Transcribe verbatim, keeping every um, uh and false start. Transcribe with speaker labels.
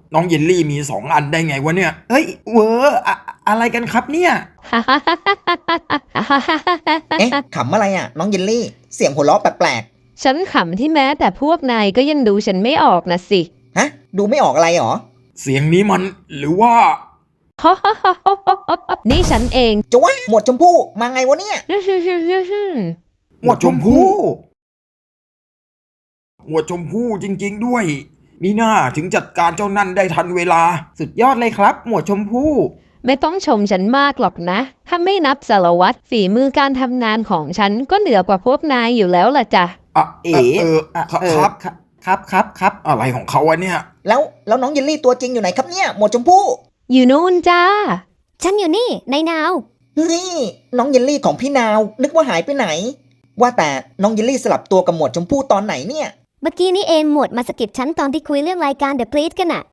Speaker 1: น้องเยลลี่มีสองอันได้ไงวะเนี่ยเฮ้ยเวอร์อะอะไรกันครับเนี่ย
Speaker 2: เอ๊ะขำอะไรอ่ะน้องเยลลี่เสียงหัวเราะแปลก
Speaker 3: ฉันขำที่แม้แต่พวกนายก็ยังดูฉันไม่ออกนะสิ
Speaker 2: ๆฮะดูไม่ออกอะไรหรอ
Speaker 1: เสียงนี้มันหรือว่า
Speaker 3: นี่ฉันเอง
Speaker 2: จะว่าหมวดชมพู่มาไงวะเนี่ย
Speaker 1: หมวดชมพู่หมวดชมพู่จริงๆด้วยมีหน้าถึงจัดการเจ้านั่นได้ทันเวลาสุดยอดเลยครับ หมวดชมพู่
Speaker 3: ไม่ต้องชมฉันมากหรอกนะ ถ้าไม่นับสารวัตรฝีมือการทำงานของฉันก็เหนือกว่าพวกนายอยู่แล้วล่ะจ้ะ
Speaker 1: อ่ะ
Speaker 4: เอ๋
Speaker 1: เออครับครับ
Speaker 4: ครับครับครับ
Speaker 1: อะไรของเขาวะเนี่ย
Speaker 2: แล้วแล้วน้องเยลลี่ตัวจริงอยู่ไหนครับเนี่ยหมวดชมพู่
Speaker 3: อยู่นู่นจ้า
Speaker 5: ฉันอยู่นี่ในนาว
Speaker 2: เฮ้ยน้องเยลลี่ของพี่นาวนึกว่าหายไปไหน ว่าแต่น้องเยลลี่สลับตัวกับหมวดชมพู่ตอนไหนเนี่ย
Speaker 5: เมื่อกี้นี่เองหมวดมาสะกิดฉันตอนที่คุยเรื่องรายการ The Please กันอะ